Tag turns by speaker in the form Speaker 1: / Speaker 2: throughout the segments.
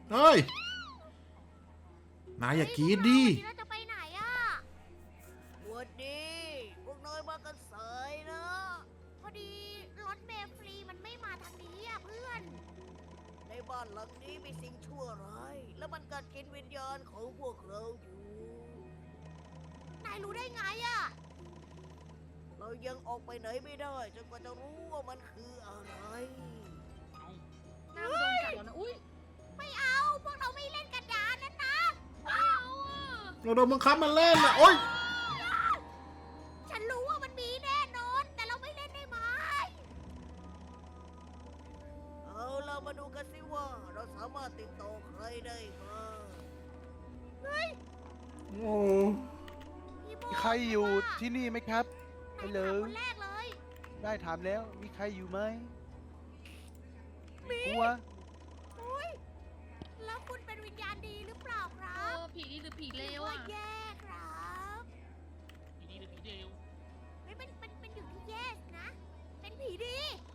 Speaker 1: เฮ้ยนายอย่ากรีดดิ
Speaker 2: เราจะไปไหนอะวันดีพวกน้อยมากันสายนะพอดีรถเมล์ฟรีมันไม่มาทางนี้อะเพื่อนในบ้านหลังนี้มีสิ่งชั่วร้ายและมันกัดกินวิญญาณของพวกเราอยู่นายรู้ได้ไงอะเรายังออกไปไหนไม่ได้จนกว่าจะรู้ว่ามันคืออะไร
Speaker 3: หน้ามันโดนกัดแล้วนะอุ้ย
Speaker 2: ไม่เอาพวกเราไม่เล่นกระดานนั้นนะไม่เอาอะ
Speaker 1: เราโดนบังคับมาเล่นนะโอ๊ย
Speaker 2: ฉันรู้ว่ามันมีแน่นอนแต่เราไม่เล่นได้ไหมเอาเรามาดูกันสิว่าเราสามารถติดต่อใครได้บ้างเฮ้ย
Speaker 1: โอ้
Speaker 2: พี่โม
Speaker 4: มีใครอยู่ที่นี่ไหมครับ
Speaker 2: นาย
Speaker 4: ฮัลโหล
Speaker 2: ถามคนแรกเลย
Speaker 4: ได้ถามแล้วมีใครอยู่ไหม
Speaker 2: มี
Speaker 4: กลัว
Speaker 2: อุ้ยแล้วคุณเป็นวิญญาณดีหรือเปล่าครั
Speaker 3: เอบ อผีดีหรือผีเลว
Speaker 2: ว่า
Speaker 3: อ่ะ
Speaker 2: แย่ครับ
Speaker 5: ผีดีหรือผีเดว
Speaker 2: เฮ้ยเป็นอยู่ที่แย่นะ เป็นผีดี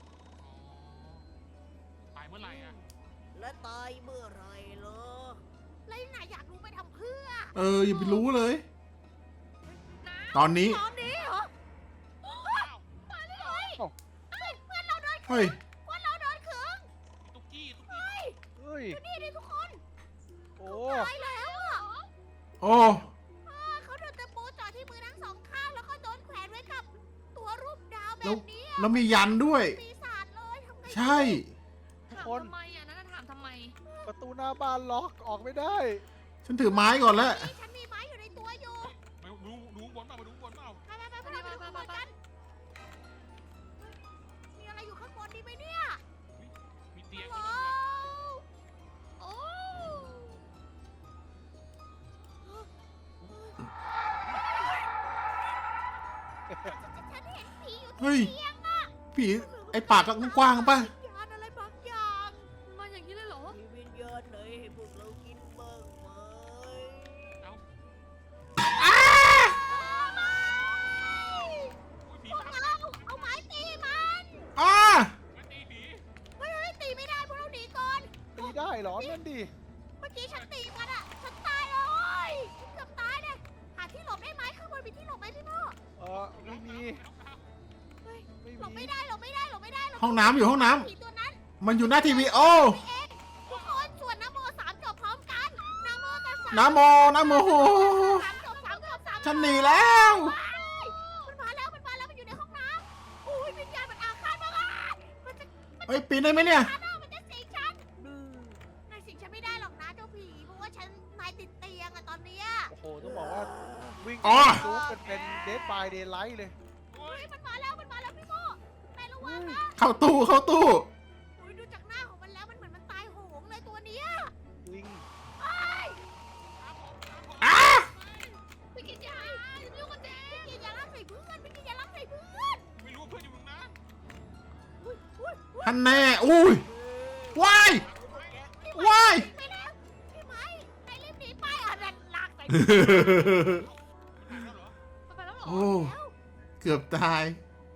Speaker 5: ตายเมื่อไหร่อ่ะ
Speaker 2: และตายเมื่อไหรเหรอแล้วนายอยากรู้ไปทำเพื่อ
Speaker 1: อย่าไปรู้เลย
Speaker 3: นะ
Speaker 1: ตอนนี้
Speaker 2: ตอนนี้เหรอ
Speaker 5: อ้าว
Speaker 2: ตายเลย
Speaker 4: เอ้า
Speaker 2: เฮ้ยเพื่อนเราโดน
Speaker 1: เฮ้ย
Speaker 2: เพื่อนเราโดนขึง
Speaker 5: มีตุ๊กกี้
Speaker 4: เฮ้ย
Speaker 2: นี่ดิทุกคน
Speaker 4: โอ้
Speaker 2: ตายแล้วอ่ะ
Speaker 1: โอ้
Speaker 2: เขาโดนตะปูเจาะที่มือทั้งสองข้างแล้วก็โดนแขวนไว้กับตัวรูปดาวแบ
Speaker 1: แล้ว
Speaker 2: บนี้
Speaker 1: แล้วมียันด้วย
Speaker 2: ปีศาจเลยทำไง
Speaker 1: ใช่
Speaker 3: ถามทำไมอ่ะนั่นนะถามทำไม
Speaker 4: ประตูหน้าบ้านล็อกออกไม่ได้
Speaker 1: ฉันถือไม้ก่อนแล้ว
Speaker 2: นี่ฉันมีไม้อยู่ในตัวอยู่
Speaker 5: มาดูบนเปล่ามาดูบนเปล่า
Speaker 2: ไปพวกเราไปดูข้างบนกันมีอะไรอยู่ข้างบนดีไหมเนี่ย
Speaker 5: มีเตียง
Speaker 2: ว้าว
Speaker 3: โอ้
Speaker 2: ฉันเห็นผีอยู่
Speaker 1: เฮ้ย
Speaker 2: ที่เตียงอะ
Speaker 1: ผีไอปากก็กว้างๆป่ะ
Speaker 2: วิญญาณอะไรบางอย่าง
Speaker 3: มันมาอย่างนี้เลยเหรอ
Speaker 2: มีวิญญาณไหนให้พวกเรากินบ้างไหม
Speaker 5: เอ้า
Speaker 2: ไม่
Speaker 5: อุ้ยผี
Speaker 2: พวก
Speaker 5: ตาม
Speaker 2: เราเอาไม้ตีมัน
Speaker 1: อ้า
Speaker 5: มาตีผี
Speaker 2: เฮ้ยตีไม่ได้พวกเราหนีก่อน
Speaker 4: ตีได้เหรอนั่นดิ
Speaker 2: เมื่อกี้ฉันตีมันอะฉันตายเลยฉันเกือบตายเลยหาที่หลบได้ไหมข้างบนมีที่หลบไหมพี่พ่อ
Speaker 4: ไม่มี
Speaker 2: เฮ้ย
Speaker 4: ไม่
Speaker 2: หลบ
Speaker 4: มี
Speaker 2: ไม่ได้หลบไม่ได้หลบไม่ได้หลบ
Speaker 1: ห้องน้ำอยู่ห้องน้ำ
Speaker 2: ผีตัวนั้น
Speaker 1: มันอยู่หน้าทีวีโอ้
Speaker 2: เองทุกคนสวดนะโมสามจบพร้อมกันนะโมตัสสะ
Speaker 1: นะโมนะโม
Speaker 2: สามจบสามจบสามจบ
Speaker 1: ฉันหนีแล้ว
Speaker 2: ว้ายมันมาแล้วมันอยู่ในห้องน้ำโอ้ยวิญญาณมันอาฆาตมากอะมันจะ
Speaker 1: เฮ้ยปีนได้ไหมเนี่ย
Speaker 2: ฆ่าหน้ามันจะสิงฉันนายสิงฉันไม่ได้หรอกนะเจ้าผีเพราะว่าฉันนายติดเตียงอะตอนเนี้ย
Speaker 4: โอ้โหต้องบอกว่าวิ่ง
Speaker 1: อ๋อ
Speaker 4: จู๊กันเป็นเดดบายเดย์ไลท์เลย
Speaker 5: โอ้
Speaker 2: เฮ้
Speaker 5: ย
Speaker 2: ยมันมาแล้วพี่โมนายระวังนะ
Speaker 1: เข้าตู้เข้าตู้
Speaker 2: โอ้ยดูจากหน้าของมันแล้วมันเหมือนมันตายโหงเลยตัวเนี้ย
Speaker 4: วิ่ง
Speaker 2: ไอ้ย
Speaker 1: อ้า
Speaker 3: ไปกินยาอย่าไปยุ่งกับเจ๊
Speaker 2: ไม่กินยาล้างใส่เพื่อนไม่กินยาล้างใส่เพื่อน
Speaker 5: ไม่รู้ว่าเพื่อนอยู่ตรงนั้น
Speaker 2: อุ้ยอุ้ยอุ้ย
Speaker 1: ท่านแน่อุ้ยว้ายว้าย
Speaker 2: ไปแล้วพี่ไม้นายรีบหนีไปอ่ะนั่นลากใส่
Speaker 5: มันหายแล้วเหรอ
Speaker 3: มันไปแล้วเหรอ
Speaker 1: โอ้เกือบตาย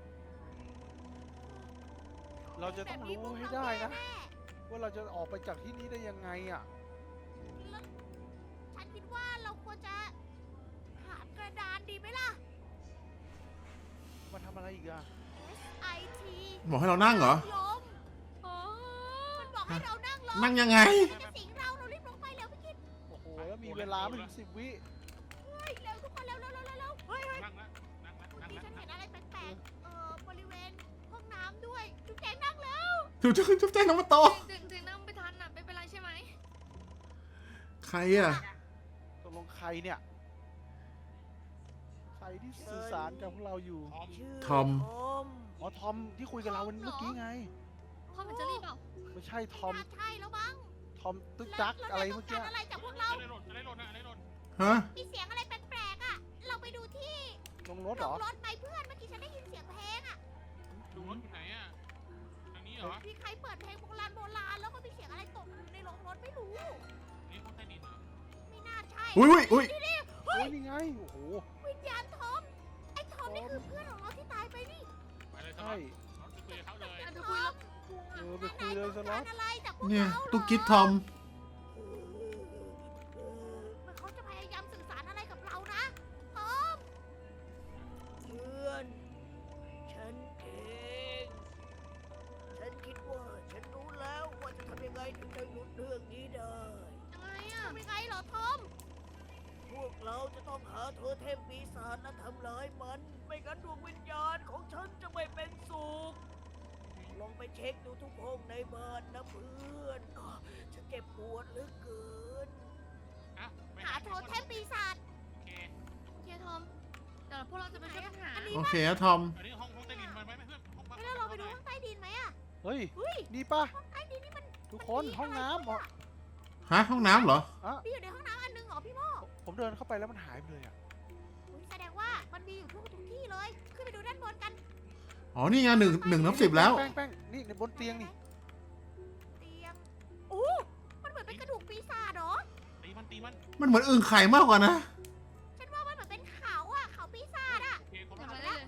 Speaker 4: เราจะต้องรู้ให้ได้นะ ว่าเราจะออกไปจากที่นี่ได้ยังไงอ่ะ
Speaker 2: แล้วฉันคิดว่าเราควรจะหากระดานดีไหมล่ะ
Speaker 4: มาทำอะไรอีกอ่ะ
Speaker 2: SIT
Speaker 1: บอกให้เรานั่งเหรอ
Speaker 2: ลม
Speaker 3: อ๋อ
Speaker 2: มันบอกให้เรานั่งลง
Speaker 1: นั่งยังไง
Speaker 2: มันจะสิงเรารีบลงไปเร็วพี่กิน
Speaker 4: โอ้โหแล้วมีเวลาไม่ถึง10 วิ
Speaker 2: เฮ้ยเร็วทุกคนเร็วเฮ้ย
Speaker 5: นั่งละนั่งละนั่ง
Speaker 2: ที่
Speaker 5: ละ
Speaker 2: ฉันเห็นอะไรแปลกๆบริเวณห้องน้ำด้วยจุ๊บแจงนั่งแล้ว
Speaker 1: จุ๊บแจ้งน้องมาโต
Speaker 3: ถึงนั่งไม่ทันอ่ะไม่เป็นไรใช่ไหม
Speaker 1: ใครอ่ะ
Speaker 4: ตกลงใครเนี่ย ใครที่สื่อสารกับพวกเราอยู่
Speaker 5: พร้อม
Speaker 2: ชื่อ
Speaker 1: ทอม
Speaker 4: อ๋อ ทอมที่คุยกับเราวันเมื่อกี้ไง
Speaker 3: ทอมเป็นเจอรี่เปล่า
Speaker 4: ไม่ใช่ทอม
Speaker 2: น่าใช่แล้วมั้ง
Speaker 4: ทอมตึกจักอะไรเมื่อกี้
Speaker 2: แล้วนายต้องการอะไรจากพวกเรา
Speaker 5: อะไรหล่นอะไรหล่นอะไรหล่น
Speaker 1: ฮะ
Speaker 2: มีเสียงอะไรแปลกๆอ่ะ เราไปดูที่
Speaker 4: ลงรถเหรอ
Speaker 2: รถไปเพื่อนเมื่อกี้ฉันได้ยินเสียงเพลงอ่ะ
Speaker 5: ดูรถอยู่ไหนอ่ะทางนี้เหรอ
Speaker 2: มีใครเปิดเพลงโบราณแล้วก็มีเสียงอะไรตกอยู่ในโรงรถไม่รู้
Speaker 5: นี่ห้องใต้ดินเหรอ
Speaker 2: ไม่น่าใช่
Speaker 1: อุ้ยอุ้ย
Speaker 2: นี่
Speaker 4: โอ้ยนี่ไง โอ้โห
Speaker 2: วิญญาณทอม ไอ้ทอมนี่คือเพื่อนของเราที่ตายไปนี่
Speaker 5: ไปเลยส
Speaker 4: ใช่
Speaker 5: ล็อตรถไปคุยกับเขาเลย
Speaker 3: อ่ะเดี๋ยวคุยแล้วกลัว
Speaker 4: ไปคุยเลยสล็อต
Speaker 2: นายต้องการอะไรจากพวก
Speaker 1: เนี่ย
Speaker 2: เราเหรอ
Speaker 1: ตุกกิดทอม
Speaker 2: โอ้โหทำยังไงเหรอทอม พวกเราจะต้องหาโทเทมปีศาจและทำลายมัน ไม่งั้นดวงวิญญาณของฉันจะไม่เป็นสุข ลองไปเช็คดูทุกห้องในบ้านนะเพื่อนฉันเจ็บปวดเหลือเกิน
Speaker 5: อ่ะไป
Speaker 2: หาโทเทมปีศาจ
Speaker 5: โอเค
Speaker 3: โอเคทอมเดี๋ยวพวกเราจะไปช่วยกันหา
Speaker 2: อันนี้
Speaker 1: โอเคนะทอม
Speaker 5: อันนี้ห้องใต้ดินไปไหมเพื่อนห้องพัก
Speaker 2: ไม่แล้วเราไปดูห้องใต้ดินไหมอะ
Speaker 4: เฮ้ย
Speaker 2: เฮ้ย
Speaker 4: นี่ป่ะ
Speaker 2: ห้องใต้ดินนี่มัน
Speaker 4: ทุกคนห้องน้ำเหรอ
Speaker 1: ฮะห้องน้ำเหรอ
Speaker 2: มีอยู่ในห้องน้ำอันนึงเหรอพี่โม
Speaker 4: ผมเดินเข้าไปแล้วมันหายไปเลยอ่ะ
Speaker 2: อุ๊ยแสดงว่ามันมีอยู่ทุกที่เลย ขึ้นไปดูด้านบนกัน
Speaker 1: อ๋อ นี่ไง1/10แล้ว
Speaker 4: แป้งนี่ในบนเตียงนี่
Speaker 2: เตียงโอ้มันเหมือนเป็นกระดูกปีศาจเหรอ
Speaker 5: ตีมันตีมัน
Speaker 1: มันเหมือนอึ่งไข่มากกว่านะ
Speaker 2: ฉันว่ามันเหมือนเป็นเขาอะเขาปีศาจอะ
Speaker 5: โอเคคน
Speaker 3: เดี๋ยว
Speaker 5: ละ
Speaker 3: มาได้เลย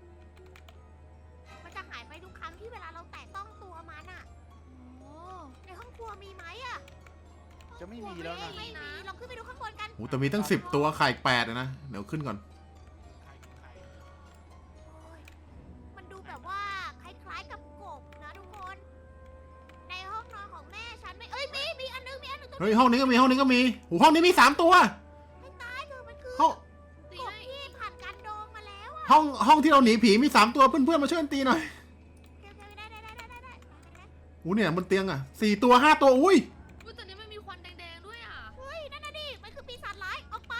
Speaker 2: มันจะหายไปทุกครั้งที่เวลาเราแตะต้องตัวมันอะ
Speaker 3: โอ้
Speaker 2: ในห้องครัวมีไหมอะ
Speaker 4: จะไม่มีแล้วนะ
Speaker 2: ไม่มีลองขึ้นไปดูข้างบนกัน
Speaker 1: โอ้แต่มีตั้ง10 ตัวไข่8เลยนะ เดี๋ยวขึ้นก่อน
Speaker 5: ใครใคร
Speaker 2: โอ้ยมันดูแบบว่าคล้ายๆกับกบนะทุกคน ในห้องนอนของแม่ฉันไม่ มีอันนึงตรง
Speaker 1: เฮ้ยห้องนี้ก็มีห้องนี้ก็มีโอ้ห้องนี้มี3 ตัว
Speaker 2: ให้ตายเถอะมันคือ
Speaker 1: ห้อง
Speaker 3: ตี
Speaker 2: กบ
Speaker 3: ให้
Speaker 2: ที่ผ่านการดองมาแล้วอะ
Speaker 1: ห้องที่เราหนีผีมี3 ตัวเพื่อนๆมาช่วยกันตีหน่อย
Speaker 2: โอเคได้
Speaker 1: โอ้เนี่ยบนเตียงอ่ะ4 ตัว5 ตัวอุ้ย
Speaker 3: อุ้ยแต่นี้มันมีควันแดงๆด้วยอ่ะ
Speaker 2: เฮ้ยนั่นน่ะดิมันคือปีศาจร้ายออกไป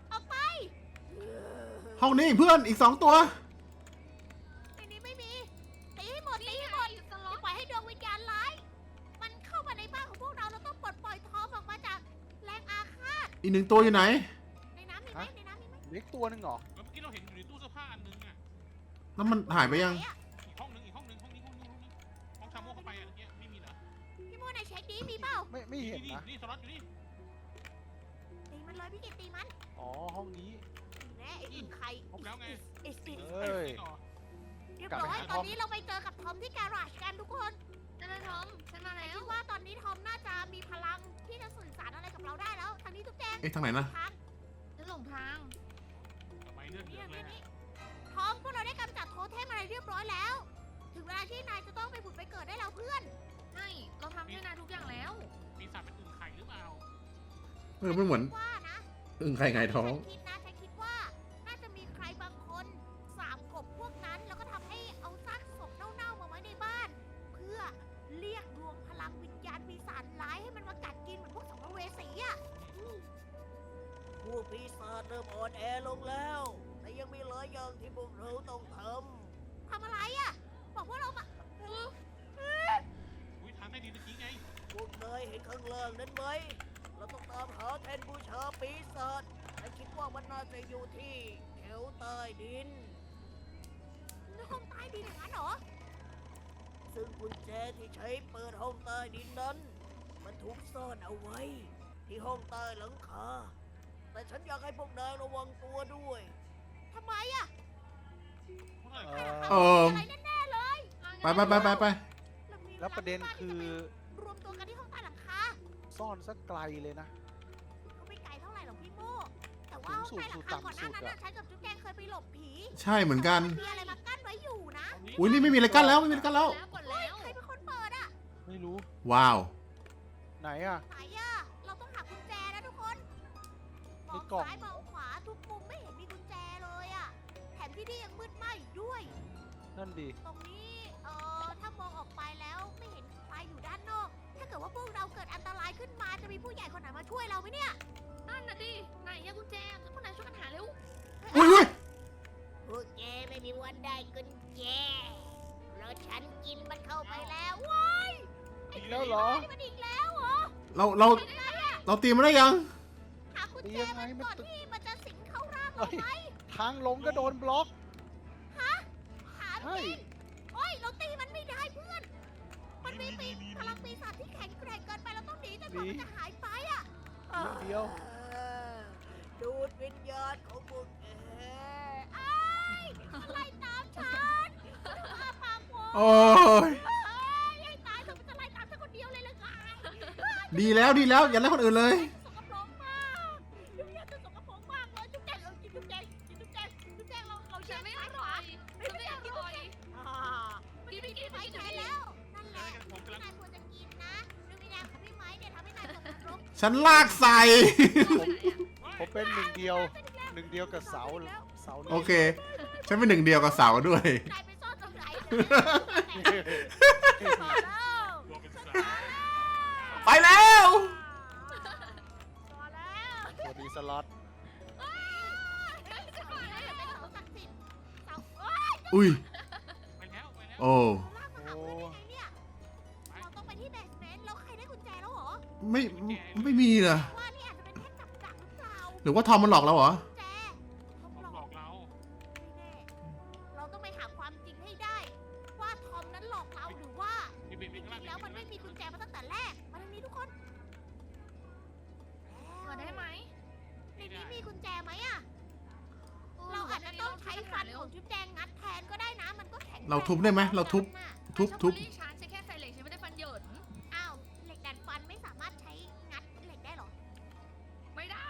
Speaker 1: ห้องนี้เพื่อนอีก2 ตัว
Speaker 2: ในนี้ไม่มีตีให้หมด
Speaker 3: นี่ไงสล็
Speaker 2: อ
Speaker 3: อต
Speaker 2: ย่าปล่อยให้ดวงวิญญาณร้าย มันเข้ามาในบ้านของพวกเราต้องปลดปล่อยทอมออกมาจากแรงอาฆาต
Speaker 1: อีก1 ตัวอยู่ไหน
Speaker 2: ในน้ำมีไหม
Speaker 4: เล็กตัวหนึงเหรอ
Speaker 5: เมื่อกี้เราเห็นอยู่ในตู้เสื้อผ้าอันนึงอ่ะ
Speaker 1: แล้วมันหายไปยัง
Speaker 2: ไหนอะ
Speaker 5: อีกห้องนึงห้องชาโม่เข้าไปอ่ะเนี่ยไม่มีเหรอ
Speaker 2: พี่โมไหนเช็คดีมีเปล่า
Speaker 4: ไม่เห็นนะ
Speaker 5: นี่สล็อตอยู่นี่
Speaker 2: ตีมันเลยพี่กิตตีมัน
Speaker 4: อ๋อห้องนี้
Speaker 2: แน่ไอ้อึ่งไข่
Speaker 5: ครบแล้วไง
Speaker 2: ไอ้สิ
Speaker 4: เอ้ย
Speaker 2: เรียบร้อยตอนนี้เราไปเจอกับทอมที่แกราจกันทุกคน
Speaker 3: นั่นนะทอมฉันมาแล้ว
Speaker 2: คิดว่าตอนนี้ทอมน่าจะมีพลังที่จะสื่อสารอะไรกับเราได้แล้วทางนี้ทุกแจง
Speaker 1: เอ๊ะทางไหนนะ
Speaker 2: ทาง
Speaker 3: ฉันหลงทาง
Speaker 5: ทำไมเลือดเย
Speaker 2: นี่
Speaker 5: อะเลย
Speaker 2: นี่ทอมพวกเราได้กำจัดโทเทมอะไรเรียบร้อยแล้ว ถึงเวลาที่นายจะต้องไปผุดไปเกิดได้แล้วเพื่อน
Speaker 3: ใช่เราทำให้นายทุกอย่างแล้ว
Speaker 5: ปีศาจเป็นอึ่งไข่หรือเปล่า
Speaker 1: ไม่เหมือน
Speaker 2: ว่านะ
Speaker 1: อึ่งไข่ไงท้อง
Speaker 2: ฉันคิดว่าน่าจะมีใครบางคนสาบกบพวกนั้นแล้วก็ทำให้เอาซากศพเน่าๆมาไว้ในบ้าน เพื่อเรียกรวมพลังวิญญาณปีศาจร้ายให้มันมากัดกินเหมือนพวกสัมภเวสีอะพวกปีศาจเริ่มอ่อนแอลงแล้ว แต่ยังมีหลายอย่างที่พวกเราต้องทำอะไรอะบอกว่าเรามา
Speaker 5: อุ้ยทางใต้ดินเมื่อกี้ไง
Speaker 2: พวกนายเห็นข้างล่างนั้นไหม เราต้องตามหาแทนบูชาปีศาจและคิดว่ามันน่าจะอยู่ที่แถวใต้ดินห้องใต้ดินอย่างนั้นเหรอ ซึ่งกุญแจที่ใช้เปิดห้องใต้ดินนั้น มันถูกซ่อนเอาไว้ ที่ห้องใต้หลังคา แต่ฉันอยากให้พวกนายระวังตัวด้วยทำไมอะ
Speaker 5: พวกเรา
Speaker 1: เออ
Speaker 2: อะไรแน่ๆเลย
Speaker 1: ไป
Speaker 4: แล้วประเด็นคือ
Speaker 2: รวมตัวกันที่ห้องใต้หลังคา
Speaker 4: ซ่อนสักไกลเลยนะ
Speaker 2: ก็ไม่ไกลเท่าไหร่หรอกพี่โม่แต่ว่าห้องใต้หลังคาก่อนหน้านั้นน่ะฉันกับจุ๊บแจงเคยไปหลบผี
Speaker 1: ใช่เหมือนกัน
Speaker 2: มีอะไรมากั้นไว้อยู่นะ
Speaker 1: อุ้ยนี่ไม่มีอะไรกั้นแล้วไม่มีอะไรกั้นแล้ว
Speaker 3: กดแล้ว
Speaker 2: ใครเป็นคนเปิดอะ
Speaker 4: ไม่รู้
Speaker 1: ว้าว
Speaker 4: ไหนอ่ะ
Speaker 2: ไหนอะเราต้องหากุญแจนะทุกคนมอง
Speaker 4: ในกล่อง
Speaker 2: ซ้ายมองขวาทุกมุมไม่เห็นมีกุญแจเลยอะแถมที่นี่ยังมืดไหม้อีกด้วย
Speaker 4: นั่นดิ
Speaker 2: ตรงนี้ถ้ามองออกไปแล้วไม่เห็นใครอยู่ด้านนอก ถ้าเกิดว่าพวกเราเกิดอันตรายขึ้นมาจะมีผู้ใหญ่คนไหนมาช่วยเราไหมเนี่ย
Speaker 3: นั่นน่ะดิไหนอะกุญแจพวกนายช่วยกันหาเร็ว
Speaker 1: อุ้ย
Speaker 2: พวกแกไม่มีวันได้กุญแจเพราะฉันกินมันเข้าไปแล้วว้าย
Speaker 4: อีกแล้วเหรอ
Speaker 2: นี่มันอีกแล้วเหรอ
Speaker 1: เราตีมันได้ยัง
Speaker 2: หากุญแจมันก่อนที่มันจะสิงเข้าร่าง
Speaker 4: เฮ้
Speaker 2: เรา
Speaker 4: ย
Speaker 2: ไหม
Speaker 4: ทางลงก็โดนบล็อก
Speaker 2: หา
Speaker 4: ใช่
Speaker 2: จริงโอ้ยเราตีมันไม่ได้เพื่อน มันมีพลังปีศาจที่แข็งแกร่งเกินไปเราต้องหนีจนกว่ามันจะหายไปอ่ะ
Speaker 4: นิดเดียว
Speaker 2: ดูดวิญญาณของพวกแกไอ้มันไล่ตามฉันอาปากโ
Speaker 1: โอ้ย
Speaker 2: ให้ตายเถอะมันจะไล่ตามฉันคนเดียวเลยเลยไง
Speaker 1: ดีแล้วอย่าไล่คนอื่นเลย
Speaker 2: สกปรกมากดูอยากจะสกปรกมากเลยจุ๊บแจงกินจุ๊บแจงเรา
Speaker 3: ฉั
Speaker 2: เชื่
Speaker 3: น
Speaker 2: อ
Speaker 3: ไม่
Speaker 2: ไม่
Speaker 3: อ
Speaker 2: ได้
Speaker 3: ร่อยฉันไม่อร่อย
Speaker 2: กินไปกินไปใช้แล้ว นั่นแหละที่นายควรจะกินนะดูวิญญาณของพี่ไม้เนี่ยทำให้นายตกนรก
Speaker 1: ฉันลากใส่
Speaker 4: ผมเป็นหนึ่งเดียวกับเสานี้
Speaker 1: โอเค ฉันเป็นหนึ่งเดียวกับเสาด้วย
Speaker 2: นายไปซ่อนตรงไหนพอแล้ว
Speaker 5: ตัวเป็นสาย
Speaker 1: ไปแล้ว
Speaker 2: พอแล้ว
Speaker 4: ตัวดีสล็อต
Speaker 1: อุ้ย
Speaker 5: ไปแล้วไปแล้ว
Speaker 1: โอ้
Speaker 2: เราต้องไปที่เบสเมนต์แล้วใครได้กุญแจแล้วเหรอ
Speaker 1: ไม่มีเหรอ
Speaker 2: ว่านี่อาจจะเป็นแค่กับดักหรือเปล่า
Speaker 1: หรือว่าทอมมันหลอกเราเหรอ
Speaker 2: กุญแจทอม
Speaker 5: เขา
Speaker 2: หล
Speaker 5: หล
Speaker 2: อ
Speaker 5: อก กเรา
Speaker 2: ไม่แน่เราต้องไปหาความจริงให้ได้ ว่าทอมนั้นหลอกเราหรือว่า
Speaker 5: พี่บิ๊ก
Speaker 2: จ
Speaker 5: บิ๊ก
Speaker 2: ริงๆแล้วมันไม่มีกุญแจมาตั้งแต่แรก มาทางนี้ทุกคน
Speaker 3: เปิดได้ไหม
Speaker 2: ในนี้มีกุญแจไหมอะเราอาจจะต้องใช้ฟันของจุ๊บแจงงัดแทนก็ได้นะ มันก็แข็ง
Speaker 1: เราทุบได้ไหมเราทุบ ทุบ
Speaker 3: ฉันใช้แค่ไซเล็กฉันไม่ได้ฟันเหยิน
Speaker 2: อ้าว เหล็กดัดฟันไม่สามารถใช้งัดเหล็กได้หรอ
Speaker 3: ไม่ได้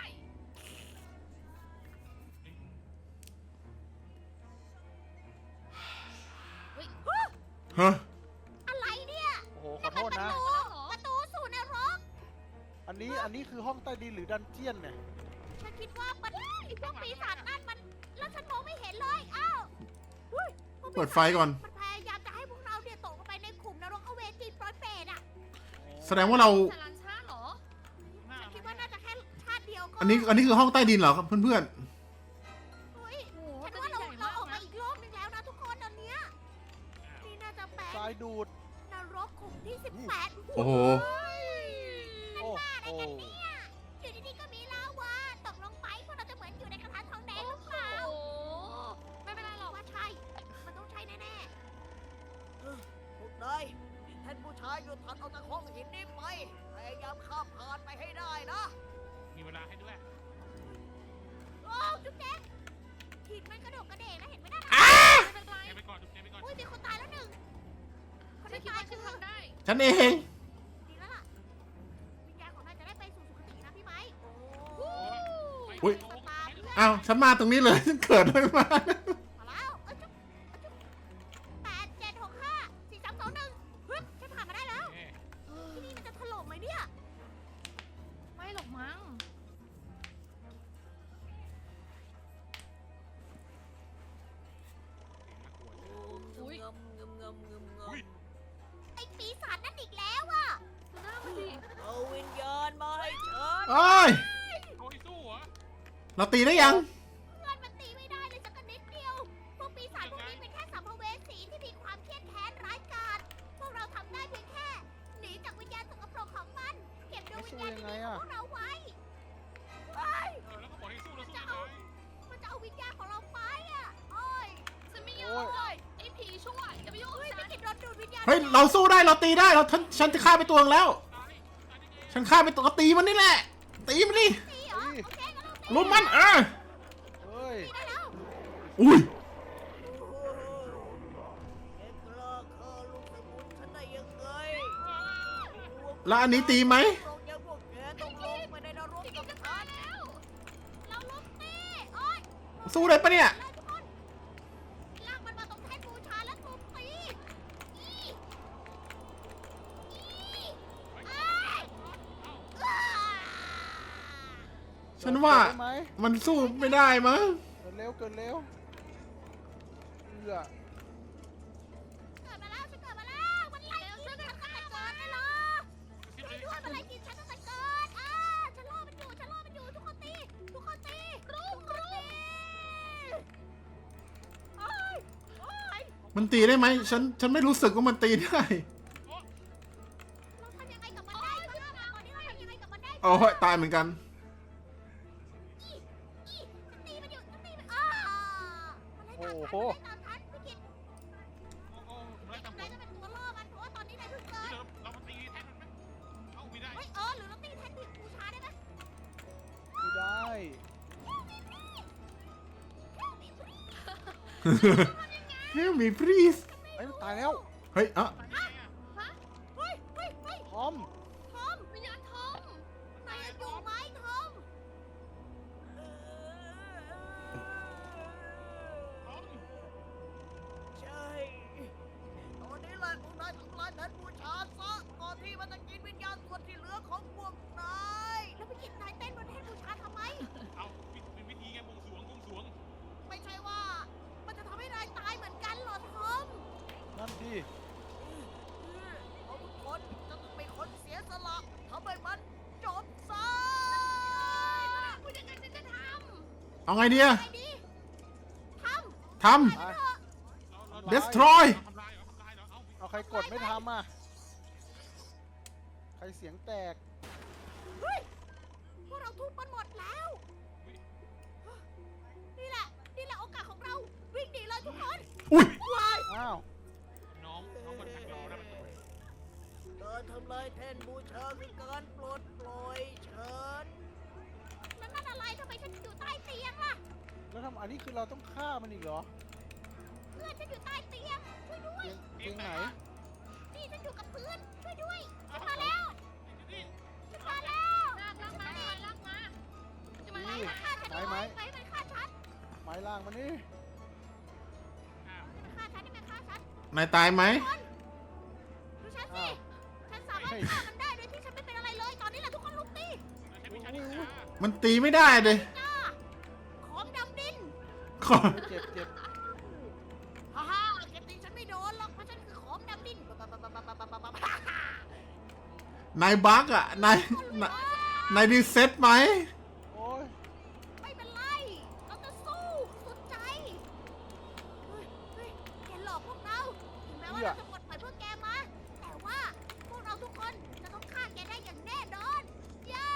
Speaker 1: ฮะ
Speaker 2: อะไรเนี่ย
Speaker 4: โอ้โหขอโทษนะ
Speaker 2: ประตูสู่นรก
Speaker 4: อันนี้คือห้องใต้ดินหรือดันเจียนเนี่ย
Speaker 2: ฉันคิดว่ามันไอ้พวกปีศาจนั่นมัน แล้วฉันมองไม่เห็นเลย อ้าวเฮ้ยพวกปีศาจ
Speaker 1: เปิดไฟก่อน
Speaker 2: มันพยายามจะให้พวกเราเนี่ยตกลงไปในขุมนรกอเวจีปลอยเปรตอ่ะ
Speaker 1: แสดงว่าเรา
Speaker 3: สารันชาติเหรอ
Speaker 2: ฉันคิดว่าน่าจะแค่ชาติเดียวก็
Speaker 1: อันนี้คือห้องใต้ดินเหรอครับเพื่อน
Speaker 2: เฮ้ย
Speaker 3: โอ้โห
Speaker 2: ฉัน
Speaker 3: จะ
Speaker 2: ว่า
Speaker 3: ดี
Speaker 2: เรา
Speaker 3: ใหญ่
Speaker 2: เรา
Speaker 3: มาก
Speaker 2: ออกมา
Speaker 3: นะ
Speaker 2: อีกรอบนึงแล้วนะทุกคนตอนเนี้ยนี่น่าจะเป็น
Speaker 4: ทรายดูด
Speaker 2: นรกขุมที่ 18
Speaker 1: โอ้โห
Speaker 4: โอ้
Speaker 2: อะไร
Speaker 4: โห
Speaker 2: กันเนี่ยอยู่ดีๆก็มีลาวาตกลงไปพวกเราจะเหมือนอยู่ในกระทะทองแดงหรือเปล่า
Speaker 3: โอ้โหไม่เป็นไรหรอก
Speaker 2: ว่าใช่ มันต้องใช่แน่ๆพวกนายท่านผู้ชายอยู่ถัดออกจากห้องหินนี้ไป พยายามข้ามผ่านไปให้ได้นะ
Speaker 5: มีเวลาให้ด้วย
Speaker 2: โอ้จุ๊บแจ๊กหินมันกระโดดกระเดกนะเห็นไหมน่ะ
Speaker 3: ไม่เป็นไร
Speaker 5: แกไปก่อนจุ๊บแกไปก่อน
Speaker 2: อุ้ยมีคนตายแล้วหนึ่งคน
Speaker 3: ฉัน
Speaker 2: ที่
Speaker 3: คิด
Speaker 2: ตาย
Speaker 3: ว่า
Speaker 2: คื
Speaker 3: ฉัน
Speaker 2: อ
Speaker 3: ทำได้
Speaker 1: ๆ ฉันเอง
Speaker 2: ดีแล้วล่ะ วิญญาณของนายจะได้ไปสู่สุคตินะพี่ไม้
Speaker 1: อุ๊ย
Speaker 2: สตาร์เพื่อน
Speaker 1: อ้าวฉันมาตรงนี้เลย ฉันเกิดไม่มา
Speaker 2: มาแล้วเอ้ยจุ๊บจุ๊บ8 7 6 5 4 3 2 1ฮึบฉันผ่านมาได้แล้ว ที่นี่มันจะถล่มไหมเนี่ย
Speaker 3: ไม่หรอกมั้ง อุ๊ย
Speaker 5: อุ้ย
Speaker 2: ไอ้ปีศาจนั่นอีกแล้วอะ
Speaker 3: ดูหน้ามันดิ
Speaker 2: เอาวิญญาณมาให้ฉัน
Speaker 1: โอ้ย
Speaker 5: เขาให้สู้เหรอ
Speaker 1: เราตีได้ยัง
Speaker 2: เพื่อนมันตีไม่ได้เลยสักนิดเดียว พวกปีศาจพวกนี้เป็นแค่สัมภเวสีที่มีความเครียดแค้นร้ายกาจ พวกเราทำได้เพียงแค่ หนีจากวิญญาณสกปรกของมัน เก็บดวงวิญญาณที่ดีของพวกเราไว้เฮ้ย
Speaker 5: แล้วก็บอกให้สู้แล้วสู้ยังไง
Speaker 2: มันจะเอาวิญญาณของเราไปอะโอ้ย
Speaker 3: ฉันไม่ยอมเลยไอ้ผีชั่วอย่าไปยุ่ง
Speaker 2: เฮ้ย
Speaker 3: กับ
Speaker 2: ไม่
Speaker 3: ฉัน
Speaker 2: กินรถดูดวิญญาณ
Speaker 1: เฮ้ย เราสู้ได้ เราตีได้ ฉันจะฆ่าไปตัวนึงแล้ว
Speaker 5: ตายได้ไง
Speaker 1: ฉันฆ่าไปตัวก็ตีมันนี่แหละ ตีมันดิ
Speaker 2: ตีเหรอโอเคงั้นเราตี
Speaker 1: ลุมมัน
Speaker 4: เฮ้ย
Speaker 2: ได้แล้ว
Speaker 1: อุ้ย
Speaker 2: เอ็งกล้าฆ่าลูกสมุนฉันได้ยังไง
Speaker 1: แล้วอันนี้ตีไหม
Speaker 2: ตรงยังพวกแกต้องลงไปในนรกกับฉันแล้ว เราลุกตีโอ้ย
Speaker 1: สู้ได้ปะเนี่ย
Speaker 2: เลยทุกคนลากมันมาตรงแท่นบูชาแล้วทุบตีอีอ้ายอ้า
Speaker 1: ฉันว่า
Speaker 4: เกิดได้ไหม
Speaker 1: มันสู้ไม่ได้มั้ง
Speaker 4: เกิดเร็วเกิดเร็วเอือ
Speaker 2: เกิดมาแล้วฉันเกิดมาแล้ว มันไล่กินฉันตั้งแต่เกิดเลยเหรอ ช่วยด้วยมันไล่กินฉันตั้งแต่เกิดฉันรอมันอยู่ ฉันรอมันอยู่ ทุกคนตี ทุกคนตีรุมโอ้ยโอ้ย
Speaker 1: มันตีได้ไหม ฉันไม่รู้สึกว่ามันตีได้
Speaker 2: เราทำยังไงกับมันได้บ้างอะตอนนี้เราทำยังไงกับมันได้บ้าง
Speaker 1: โอ้ยตายเหมือนกัน
Speaker 2: ฉันตีมันอยู่ฉันตีมันมันไล่ตามฉัน
Speaker 4: โอ้
Speaker 2: มัน
Speaker 4: โห
Speaker 2: ไล่ตามฉันพี่กิต
Speaker 5: โอ้โหไล่
Speaker 2: นาย
Speaker 5: ตามผม
Speaker 2: จะเป็นตัวล่อมัน เพราะว่าตอนนี้นายเพิ่งเกิด
Speaker 5: เรามาตีแทนมันไหมเอ้าไม่ได้
Speaker 2: เฮ้ยหรือเราตีแทนที่บูชาได้ไหม
Speaker 4: ไม่ได้
Speaker 1: Help me please
Speaker 4: เฮ้ยมันตายแล้ว
Speaker 1: เฮ้ยอ่ะ
Speaker 5: ตายได้ไงอ่ะ
Speaker 2: เฮ้ยเฮ้ยเฮ้ย
Speaker 4: ทอม
Speaker 2: ทอม
Speaker 3: วิญญาณทอม
Speaker 2: นายยังอยู่ไหมทอม
Speaker 5: ต้อง
Speaker 2: ใช่ ตอนนี้แหละพวกนายทำลายแทนบูชาซะก่อนที่มันจะกินวิญญาณส่วนที่เหลือของพวกนาย
Speaker 1: เอาไงดีอะ
Speaker 2: ไงดีท
Speaker 1: ท
Speaker 4: ไป
Speaker 1: ำ destroy
Speaker 5: ทำลายเหรอทำลายเหรอเอา
Speaker 4: เอาใครกดไม่ทำอ่ะ ใครเสียงแตก
Speaker 2: ำเฮ้ยพวกเราทุบมันหมดแล้ว นี่แหละโอกาสของเราวิ่งหนีเลยทุกคน
Speaker 1: อุ้ย
Speaker 2: ว้าย
Speaker 4: อ้าว
Speaker 5: น้องมันแทงเราได้มันตัว
Speaker 2: การทำลายแท่นบูชาคือการปลดปล่อยฉันนั่นอะไรทำไมฉันอยู่ใต้เตียงล่ะ
Speaker 4: แล้วทำอันนี้คือเราต้องฆ่ามันอีกเหรอ
Speaker 2: เพื่อนฉันอยู่ใต้เตียงช่วยด้วย
Speaker 4: เตียงไหน
Speaker 2: นี่ฉันอยู่กับพื้นช่วยด้วยฉันมาแล้ว
Speaker 5: นี่
Speaker 2: ฉันมาแล้ว
Speaker 3: ลากมาลากมาจะมา
Speaker 2: ไม้
Speaker 3: ไล่
Speaker 2: มันฆ่าฉัน
Speaker 4: ไม้
Speaker 2: ไม้มันฆ่าฉัน
Speaker 4: ไม้ล่างมันนี่
Speaker 5: อ้าว
Speaker 2: มันฆ่าฉันนี่มันฆ่าฉัน
Speaker 1: นายตายไหม
Speaker 2: ดูฉันสิฉันสามารถฆ่ามันได้โดยที่ฉันไม่เป็นอะไรเลยตอนนี้แหละทุกคนลุกตี
Speaker 5: ใช้วิชาที่ฆ่า
Speaker 1: มันตีไม่ได้เลย
Speaker 2: จ้าของดำดิน
Speaker 1: ขอ
Speaker 4: เจ็บเจ็บ
Speaker 2: ฮ่าฮ่าแกตีฉันไม่โดนหรอกเพราะฉันคือของดำดิน
Speaker 1: นายบั๊กอะนายรีเซ็ตไหม
Speaker 4: โอ้ย
Speaker 2: ไม่เป็นไรเราจะสู้สุดใจเฮ้ยแกหลอกพวกเราถึงแม้ว่าเราจะปลดปล่อยพวกแกมาแต่ว่าพวกเราทุกคนจะต้องฆ่าแกได้อย่างแน่นอนเย้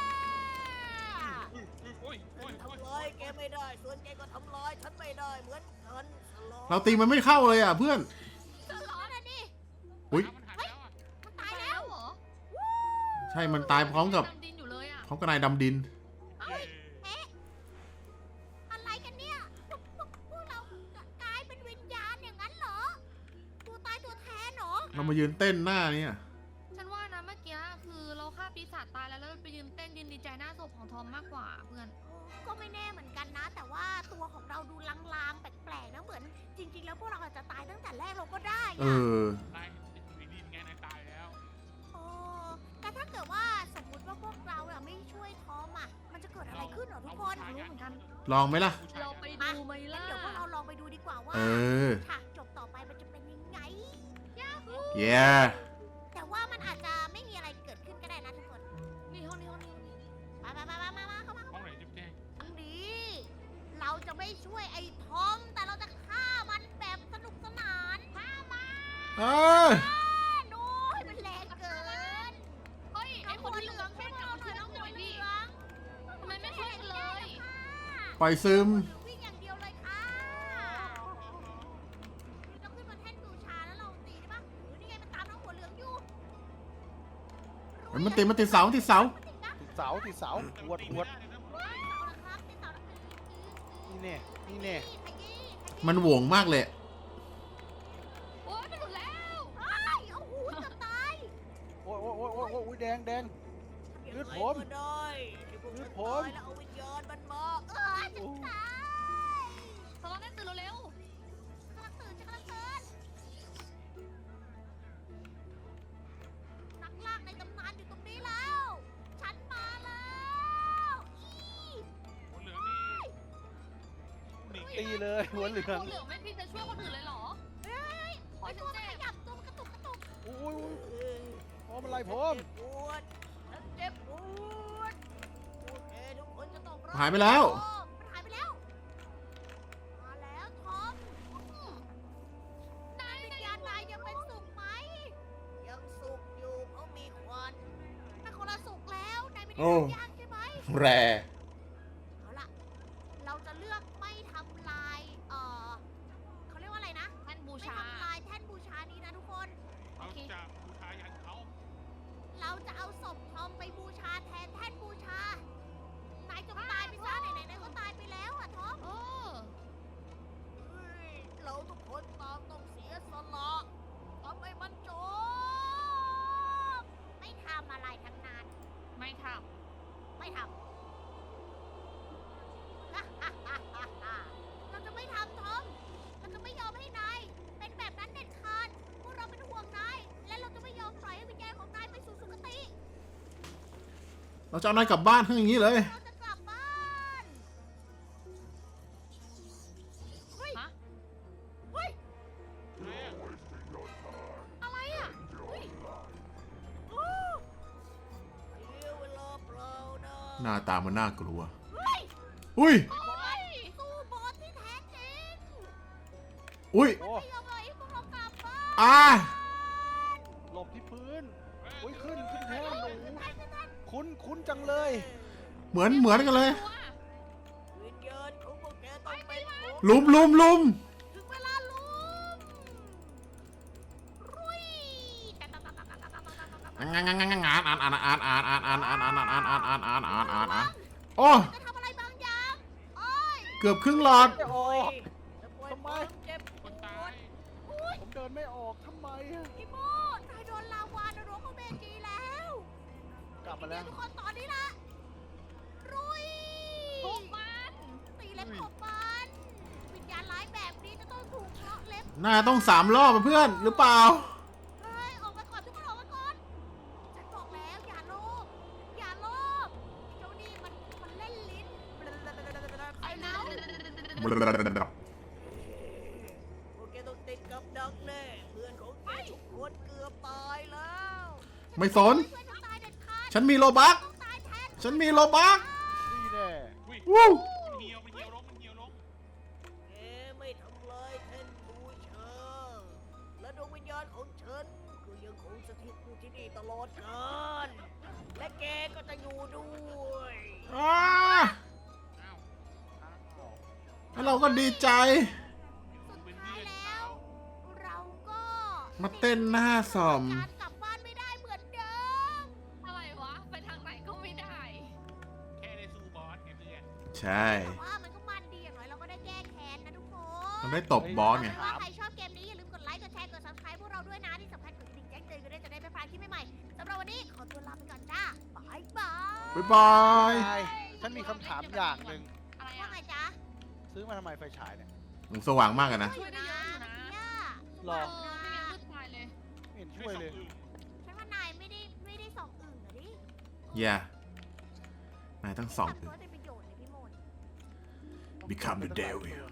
Speaker 5: โอ้ย
Speaker 2: ทำลายแกไม่ได้ส่วนแกก็ทำลายฉันไม่ได้เหมือนกันสลอ
Speaker 1: เราตีมันไม่เข้าเลยอะเพื่อน
Speaker 2: สลอนะนี่
Speaker 1: อุ๊ย
Speaker 5: มันหายไปแล้วอ่ะ
Speaker 2: มันตายแล้ว
Speaker 3: เหรอ
Speaker 1: ใช่มันตายพร้อมกับ
Speaker 3: ดำดินอยู่เลยอ่ะ
Speaker 1: พร้อมกับนายดำดิน
Speaker 2: เฮ้ยเอ๊ะอะไรกันเนี่ยพวกเรากลายเป็นวิญญาณอย่างนั้นเหรอตัวตายตัวแทนเหรอ
Speaker 1: เรามายืนเต้นหน้าเนี่ย
Speaker 3: ฉันว่านะเมื่อกี้คือเราฆ่าปีศาจตายแล้วแล้วไปยืนเต้นยืนดีใจหน้าศพของทอมมากกว่าเพื่อน
Speaker 2: ก็ไม่แน่เหมือนกันนะ แต่ว่าตัวของเราดูลางๆแปลกๆนะเหมือน จริง ๆ แล้วพวกเราอาจจะตายตั้งแต่แรกเราก็ได้
Speaker 1: เอ
Speaker 2: อะ
Speaker 1: อ
Speaker 5: นายดินไงนายตายแล้ว
Speaker 2: โอ้แต่ถ้าเกิดว่าสมมติว่าพวกเราอะไม่ช่วยทอมอะมันจะเกิดอะไรขึ้นเหรอทุกคน
Speaker 3: รู้เหมือนกัน
Speaker 1: ลองไหมล่ะ
Speaker 3: เราไปดูไหม
Speaker 2: งั้
Speaker 3: ล่ะ
Speaker 2: นเดี๋ยวพวกเราลองไปดูดีกว่าว่า
Speaker 1: เออ
Speaker 2: ฉากจบต่อไปมันจะเป็นยังไง
Speaker 1: เย้
Speaker 2: แต่ว่ามันอาจจะไม่มีอะไรเกิดขึ้นก็ได้นะทุกคน
Speaker 3: นี่ห้องนี้
Speaker 2: มาเข้ามา
Speaker 5: ห้องไหนจิ๊บแจ้ง
Speaker 2: อันนี้เราจะไม่ช่วยไอ้ทอม แต่เราจะฆ่ามันแบบสนุกสนานฆ่ามัน
Speaker 1: เออ
Speaker 2: โน้ยมันแรงเกิน
Speaker 3: เฮ้ยไอคนที่
Speaker 2: เห
Speaker 3: เห
Speaker 2: ลื
Speaker 3: ลื
Speaker 2: อ
Speaker 3: อง ง
Speaker 2: ช่
Speaker 3: ช่
Speaker 2: ว
Speaker 3: วย ย
Speaker 2: พวก
Speaker 3: เรา
Speaker 2: เรา
Speaker 3: ห
Speaker 2: ห
Speaker 3: น่
Speaker 2: น่
Speaker 3: อ
Speaker 2: อย ย
Speaker 3: น้
Speaker 2: น้
Speaker 3: อ
Speaker 2: อง ง
Speaker 3: เห
Speaker 2: หั
Speaker 3: ลื
Speaker 2: ว
Speaker 3: อง
Speaker 2: เหลือง
Speaker 3: ทำไมไม่ช่วยกันเลย
Speaker 1: ปล่อยซึม
Speaker 2: วิ่งอย่างเดียวเลยค่ะเราขึ้นมาแท่นบูชาแล้วเราตีได้ปะหรือนี่ไงมันตามน้องหัวเหลืองอยู่
Speaker 1: มันติดเสาติดเสา
Speaker 2: มันติดนะ
Speaker 4: ติดเสาติดเสาหวดหวด
Speaker 2: เสาละครับติดเสาละ
Speaker 4: นี่แน่นี่แน่
Speaker 2: ขยี้
Speaker 1: มันโหวงมากเลย
Speaker 3: โอ๊ยมันหลุดแล้ว
Speaker 2: เอ้ยเอาหูจะตาย
Speaker 4: โอ้ยโอ้ยโอ้ยโอ้ยโอ้ยแดงแดง ยืดผม
Speaker 2: ก็ได้ที่พวก
Speaker 4: ยื
Speaker 2: ฉั
Speaker 4: ด
Speaker 2: น
Speaker 4: ผม
Speaker 2: ตายแล้วเอาวิญญาณมันมาฉันตาย
Speaker 3: ตอนนั้นตื่นเร็ว
Speaker 2: กำลังตื่นฉันกำลังตื่นนักล่างในตำนานอยู่ตรงนี้แล้ว ฉันมาแล้วอี
Speaker 5: หัวเหลืองนี่หนี
Speaker 4: ตีเลย
Speaker 3: ๆ
Speaker 4: หัวเหลือง
Speaker 3: หัวเหลืองไม่พี่จะช่วยคนอื่นเลยเหรอ
Speaker 2: เฮ้ย
Speaker 3: โอ๊ย
Speaker 2: ตัว
Speaker 3: ฉั
Speaker 2: มัน
Speaker 3: นเจ็บ
Speaker 2: ขยับตัวมันกระตุกกระตุก
Speaker 4: โอ้ยโอ้ยพร้อมอะไรพร้อม
Speaker 2: ปวดฉันเจ็บปวดโอเคทุกคนจะต้องรอด
Speaker 1: หายไปแล้ว
Speaker 2: มันหายไปแล้ว มาแล้วทอมนายวิญญาณนายยังเป็นสุขไหม ยังสุขอยู่เพราะมีควันแต่คนละสุขแล้วนายไม่ได้
Speaker 1: โอ้
Speaker 2: ย่างใช่ไหม
Speaker 1: แร
Speaker 2: เอาล่ะ เราจะเลือกไม่ทำลาย เขาเรียกว่าอะไรนะ
Speaker 3: ท่านบู
Speaker 2: ไม่
Speaker 3: ชา
Speaker 2: ทำลายแท่นบูชานี้นะทุกคน
Speaker 5: เราจะบูชายันเขา
Speaker 2: เราจะเอาศพทอมไปบูชาแทนแท่นบูชา นายจงตายไปซะไหนๆก็ตายไปแล้วอะทอม
Speaker 3: เออ
Speaker 2: เฮ้ยเราทุกคนต่างต้องเสียสละทำให้มันจบไม่ทำอะไรทั้งนั้น
Speaker 3: ไม่ท
Speaker 2: ไม่ทำ เราจะไม่ทำทอม เราจะไม่ยอมให้นาย เป็นแบบนั้นเด็ดขาด พวกเราเป็นห่วงนาย และเราจะไม่ยอมปล่อยให้วิญญาณของนายไปสู่สุคติ
Speaker 1: เราจะเอานายกลับบ้านทั้งอย่างนี้เลย
Speaker 2: เราจะกลับบ้าน เฮ้ย
Speaker 3: ำฮะ
Speaker 2: เฮ้ย
Speaker 5: อะไรอ่ะ
Speaker 3: อะไรอ่ะเฮ้ย
Speaker 2: โอ้เสียเวลาเปล่านะ
Speaker 1: หน้าตามันน่ากลัว
Speaker 2: เฮ้ย
Speaker 1: อุ้ย
Speaker 3: โอ๊ย
Speaker 1: อุ้ย
Speaker 4: โอ้
Speaker 2: ไม่ยอมปล่อยให้พวกเรากลับบ้าน
Speaker 1: อ่า
Speaker 4: หลบที่พื้นโอ้ยขึ้นแทนหนูคุ้นจังเลย
Speaker 1: เหมือนกันเลย
Speaker 3: ตัว
Speaker 2: วิญญาณของพวกแกต้องเป็นของ
Speaker 1: ลุม
Speaker 2: ถึงเวลาลุมรุย
Speaker 1: โอ้
Speaker 2: จะทำอะไรบางอย่างโอ้ย
Speaker 1: เกือบครึ่งหลอด
Speaker 4: ไม่ออก
Speaker 2: จะปล่อย
Speaker 4: ทำไม
Speaker 2: ความเจ็บป
Speaker 5: ค
Speaker 2: วน
Speaker 5: ตา
Speaker 2: ด
Speaker 5: ย
Speaker 4: ผมเดินไม่ออกทำไมอะ
Speaker 2: พี่โมนายโดนลาวานรกของเบจีแล้ว
Speaker 4: กลับมาแล้ว
Speaker 2: ทุกคนตอนนี้ละรุย
Speaker 3: ทุบมัน
Speaker 2: ตีเล็บของมันวิญญาณร้ายแบบนี้จะต้องถูกเพาะเล็บ
Speaker 1: น่าต้อง3 รอบอะเพื่อนหรือเปล่า
Speaker 2: เฮ้ยออกมาก่อนทุกคนออกมาก่อนฉันบอกแล้วอย่าโลภอย่าโลภเจ้านี่มันเล่นลิ้น
Speaker 3: ไอ้เน่า
Speaker 2: พวกแกต้องติดกับดักแน่เพื่อนของแกทุกคนเกือบตายแล้ว
Speaker 1: ไม่สน
Speaker 2: เพื่อนจะตายเด็ดขาด
Speaker 1: ฉันมีโลบัก
Speaker 2: ต้องตายแทน
Speaker 1: ฉันมีโลบัก
Speaker 4: นี่แน่
Speaker 5: อุ้ย
Speaker 1: วู้
Speaker 5: มันเหี่ยวลงมันเหี่ยวลง
Speaker 2: แกไม่ทำลายแท่นบูชาและดวงวิญญาณของฉันก็ยังคงสถิตอยู่ที่นี่ตลอดกาลและแกก็จะอยู่ด้วย
Speaker 1: อ่า
Speaker 5: อ้าว
Speaker 1: แล้วเราก็ดีใจ
Speaker 2: สุดท้ายแล้ว เราก็
Speaker 1: มาเต้นหน้าสอม
Speaker 2: การกลับบ้านไม่ได้เหมือนเดิม
Speaker 3: อะไรวะ ไปทางไหนก็ไม่ได้
Speaker 5: แค่ได้สู้บอสไงเพื่อน
Speaker 1: ใช่
Speaker 2: แต่ว่ามันก็มันดีอย่างน้อยเราก็ได้แก้แค้นนะทุกคน
Speaker 1: มันได้ตบบอสไง
Speaker 2: ว่าใครชอบเกมนี้อย่าลืมกดไลค์ กดแชร์ กด subscribe พวกเราด้วยนะ ที่สำคัญกดกระดิ่งแจ้งเตือนกันด้วยจะได้ไม่พลาดคลิปใหม่ๆสำหรับวันนี้ขอตัวลาไปก่อนจ้าบายบาย
Speaker 1: บ๊ายบาย
Speaker 4: ใช่ฉันมีคำถามอย่างหนึ่ง
Speaker 3: อะไร
Speaker 2: ว่า
Speaker 3: อะ
Speaker 2: ไงจ๊ะ
Speaker 4: ซื้อมาทำไมไฟฉายเนี่ย
Speaker 1: มันสว่างมากอะนะ
Speaker 3: ช่วยได้เยอะอยู่นะ
Speaker 2: เนี่ย
Speaker 4: หรอ
Speaker 3: เออไม่งั้นมืดตายเลย
Speaker 4: ไม่เห็น
Speaker 5: ช่
Speaker 4: ช่
Speaker 5: ว
Speaker 4: วย ย
Speaker 5: ส่
Speaker 4: เล
Speaker 5: ง
Speaker 4: ย
Speaker 5: อื่น
Speaker 2: ฉันว่านายไม่ได้ส่องอึ่งอะดิ
Speaker 1: อย่า นายต้องส่อง
Speaker 2: ทำตัวเป็นประโยชน์เลยพี่โมน
Speaker 1: Become the devil